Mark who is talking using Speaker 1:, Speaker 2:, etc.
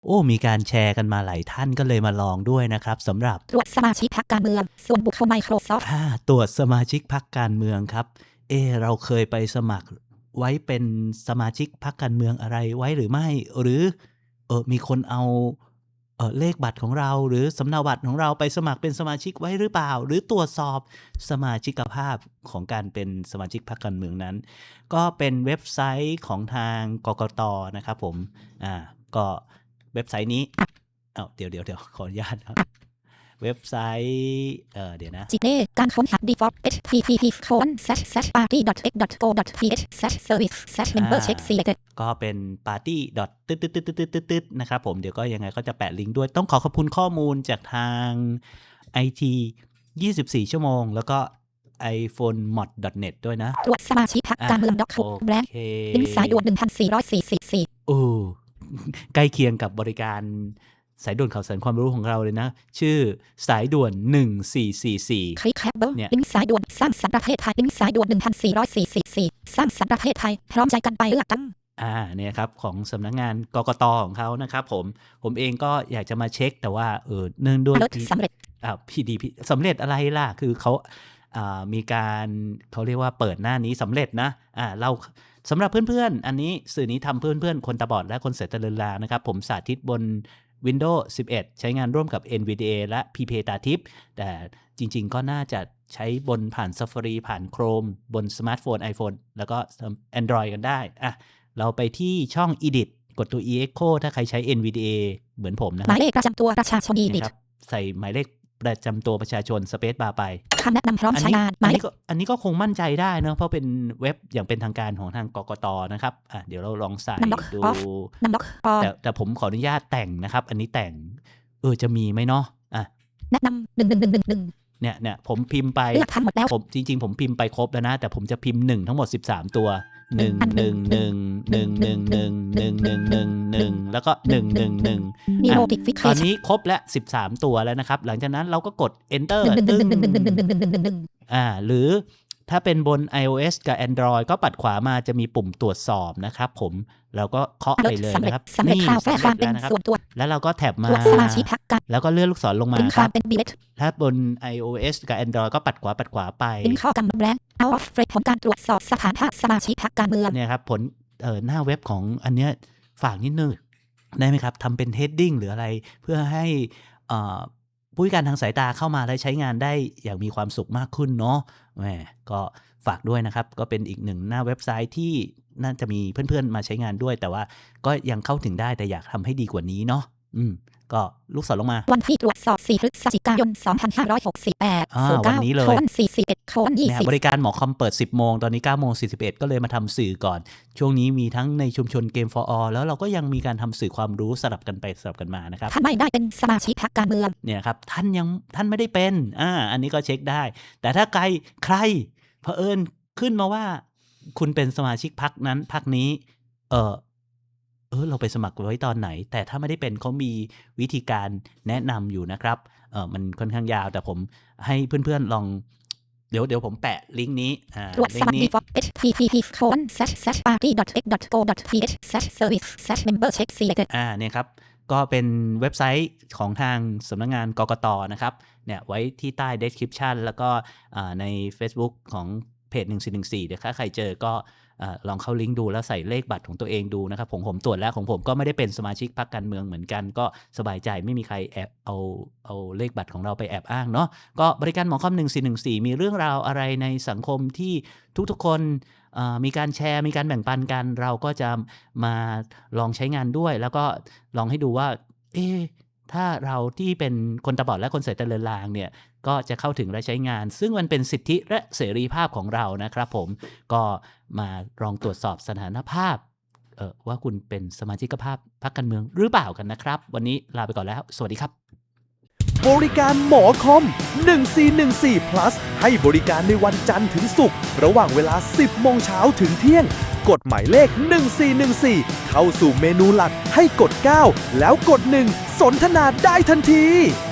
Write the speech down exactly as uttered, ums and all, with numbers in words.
Speaker 1: โอ้มีการแชร์กันมาหลายท่านก็เลยมาลองด้วยนะครับสำหรับ
Speaker 2: ตรวจสมาชิกพรรคการเมืองส่วนบุคคล Microsoft
Speaker 1: อ่าตรวจสมาชิกพรรคการเมืองครับเอเราเคยไปสมัครไว้เป็นสมาชิกพรรคการเมืองอะไรไว้หรือไม่หรือเออมีคนเอาเออเลขบัตรของเราหรือสำเนาบัตรของเราไปสมัครเป็นสมาชิกไว้หรือเปล่าหรือตรวจสอบสมาชิกภาพของการเป็นสมาชิกพรรคการเมืองนั้นก็เป็นเว็บไซต์ของทางกกต.นะครับผมอ่าก็เว็บไซต์นี้เอ้าเดี๋ยวเดี๋ยวเดี๋ยวขออนุญาตครับเว็บไซต์เอ่อเดี๋ยวนะ
Speaker 2: จิเต้การค้นหา default http colon slash slash party dot x dot go dot th slash service slash member check selected
Speaker 1: ก็เป็น party ตึ๊ดตึ๊ดตึ๊ดตึ๊ดตึ๊ดตึ๊ดนะครับผมเดี๋ยวก็ยังไงก็จะแปะลิงก์ด้วยต้องขอขอบคุณข้อมูลจากทาง ไอ ที ยี่สิบสี่ ชั่วโมงแล้วก็ ไอโฟนมอด ดอท เน็ต ด้วยนะ
Speaker 2: ตรวจสมาชิกพรรคการเมือง doc หก แบล็คลิงก์สายด่วนหนึ่งพันสี่ร้อยสี่สิบสี่
Speaker 1: โอ้ใกล้เคียงกับบริการสายด่วนข่าวสารความรู้ของเราเลยนะชื่อสายด่วนหนึ่งสี่สี่สี่
Speaker 2: คลิกแคปเบอร์ลิงก์สายด่วนสร้างสรรค์ประเทศไทยลิงก์สายด่วนหนึ่งพันสี่ร้อยสี่สิบสี่สร้างสรรค์ประเทศไทยพร้อมใจกันไปเลือกตั้ง
Speaker 1: อ่าเนี่ยครับของสำนักงานกกต.ของเขานะครับผมผมเองก็อยากจะมาเช็คแต่ว่าเออเนื่องด้วย
Speaker 2: สำเร็จ
Speaker 1: อ่าพีดีสำเร็จอะไรล่ะคือเขาอ่ามีการเขาเรียกว่าเปิดหน้านี้สำเร็จนะอ่าเราสำหรับเพื่อนๆอันนี้สื่อนี้ทำเพื่อนๆคนตาบอดและคนเสตเลินลานะครับผมสาธิตบน Windows สิบเอ็ด ใช้งานร่วมกับ เอ็น วี ดี เอ และ พี พี ตาทิพย์แต่จริงๆก็น่าจะใช้บนผ่าน Safari ผ่าน Chrome บนสมาร์ทโฟน iPhone แล้วก็ Android กันได้อ่ะเราไปที่ช่อง Edit กดตัว Echo ถ้าใครใช้ เอ็น วี ดี เอ เหมือนผมนะ
Speaker 2: หมายเลขประจำตัวประชาชน Edit
Speaker 1: ใส่หมายเลขประจำตัวประชาชนสเปซบาร์ไป
Speaker 2: คำแนะนำพร้อมใช้งาน
Speaker 1: อันนี้ก็อันนี้ก็คงมั่นใจได้นะเพราะเป็นเว็บอย่างเป็นทางการของทางกกต.นะครับอ่ะเดี๋ยวเราลองใส่ดูแต่แต่ผมขออนุญาตแต่งนะครับอันนี้แต่งเออจะมีไหมเนาะอ่ะ
Speaker 2: แนะนำหนึ่งหนึ่งหนึ่งหนึ่งหนึ่ง
Speaker 1: เนี่ยเนี่ยผมพิมพ์ไป
Speaker 2: เลือกทันหมดแล้ว
Speaker 1: ผมจริงๆผมพิมพ์ไปครบแล้วนะแต่ผมจะพิมพ์หนึ่งทั้งหมดสิบสามตัวหนึ่งหนึ่งหนึ่งหนึ่งหนึ่งหนึ่งหนึ่งหนึ่งหนึ่งหนึ่งแล้วก็หนึ่งหนึ่งหนึ่งตอนนี้ครบแล้วสิบสามตัวแล้วนะครับหลังจากนั้นเราก็กด enter ตึ้งอ่าหรือถ้าเป็นบน iOS กับ Android ก็ปัดขวามาจะมีปุ่มตรวจสอบนะครับผมเราก็เคาะไปเลยนะครับ
Speaker 2: นี่สำเร็จแล้วนะครับ
Speaker 1: แล้วเราก็แท็บมาแล้วก็เลื่อนลูกศรลงมาครับถ้าบน iOS กับ Android ก็ปัดขวาปัดขวาไป
Speaker 2: ลิงก์เข้ากับแบล็คเอาออฟเฟรผลการตรวจสอบสถานภาพสมาชิกพรรคการเมือง
Speaker 1: เนี่ยครับผลเอ่อหน้าเว็บของอันเนี้ยฝากนิดนึงได้ไหมครับทำเป็น heading หรืออะไรเพื่อให้อ่าผู้พิการทางสายตาเข้ามาและใช้งานได้อย่างมีความสุขมากขึ้นเนาะแหมก็ฝากด้วยนะครับก็เป็นอีกหนึ่งหน้าเว็บไซต์ที่น่าจะมีเพื่อนๆมาใช้งานด้วยแต่ว่าก็ยังเข้าถึงได้แต่อยากทำให้ดีกว่านี้เนาะอืมก็ลูกศรลงมา
Speaker 2: วันที่ตรวจสอบสี่พฤศจิกายนสองพันห้าร้อยหกสิบแปด
Speaker 1: วันนี้เลย
Speaker 2: สี่สิบเอ็ด ยี่สิบบ
Speaker 1: ริการหมอคอมเปิดสิบโมงตอนนี้เก้าโมงสี่สิบเอ็ดก็เลยมาทำสื่อก่อนช่วงนี้มีทั้งในชุมชน Game for All แล้วเราก็ยังมีการทำสื่อความรู้สลับกันไปสลับกันมานะครับ
Speaker 2: ท่านไม่ได้เป็นสมาชิกพรรคการเมือง
Speaker 1: เนี่ยครับท่านยังท่านไม่ได้เป็นอ่าอันนี้ก็เช็คได้แต่ถ้าใครใครเผอิญขึ้นมาว่าคุณเป็นสมาชิกพรรคนั้นพรรคนี้เออเออเราไปสมัครไว้ตอนไหนแต่ถ้าไม่ได้เป็นเขามีวิธีการแนะนำอยู่นะครับเออมันค่อนข้างยาวแต่ผมให้เพื่อนๆลองเดี๋ยวเดี๋ยวผมแปะลิงก์นี้อ่า
Speaker 2: ลิงก์นี้ http colon slash slash party dot x dot go dot th slash service slash member check selected
Speaker 1: อ่าเนี่ยครับก็เป็นเว็บไซต์ของทางสำนักงานกกต.นะครับเนี่ยไว้ที่ใต้ description แล้วก็ใน Facebook ของเพจหนึ่งสี่หนึ่งสี่เดี๋ยวถ้าใครเจอก็ลองเข้าลิงก์ดูแล้วใส่เลขบัตรของตัวเองดูนะครับผมผมตรวจแล้วของผมก็ไม่ได้เป็นสมาชิกพรรคการเมืองเหมือนกันก็สบายใจไม่มีใครแอบเอาเอาเลขบัตรของเราไปแอบอ้างเนาะก็บริการหมอคอมหนึ่งสี่หนึ่งสี่มีเรื่องราวอะไรในสังคมที่ทุกๆคนมีการแชร์มีการแบ่งปันกันเราก็จะมาลองใช้งานด้วยแล้วก็ลองให้ดูว่าเอ๊ะถ้าเราที่เป็นคนตาบอดและคนเสตเลินลางเนี่ยก็จะเข้าถึงและใช้งานซึ่งมันเป็นสิทธิและเสรีภาพของเรานะครับผมก็มาลองตรวจสอบสถานภาพเอ่อว่าคุณเป็นสมาชิกภาพพรรคการเมืองหรือเปล่ากันนะครับวันนี้ลาไปก่อนแล้วสวัสดีครับ
Speaker 3: บริการหมอคอมหนึ่งสี่หนึ่งสี่ plus ให้บริการในวันจันทร์ถึงศุกร์ระหว่างเวลา สิบโมงเช้าถึงเที่ยงกดหมายเลขหนึ่งสี่หนึ่งสี่เข้าสู่เมนูหลักให้กดเก้าแล้วกดหนึ่งสนทนาได้ทันที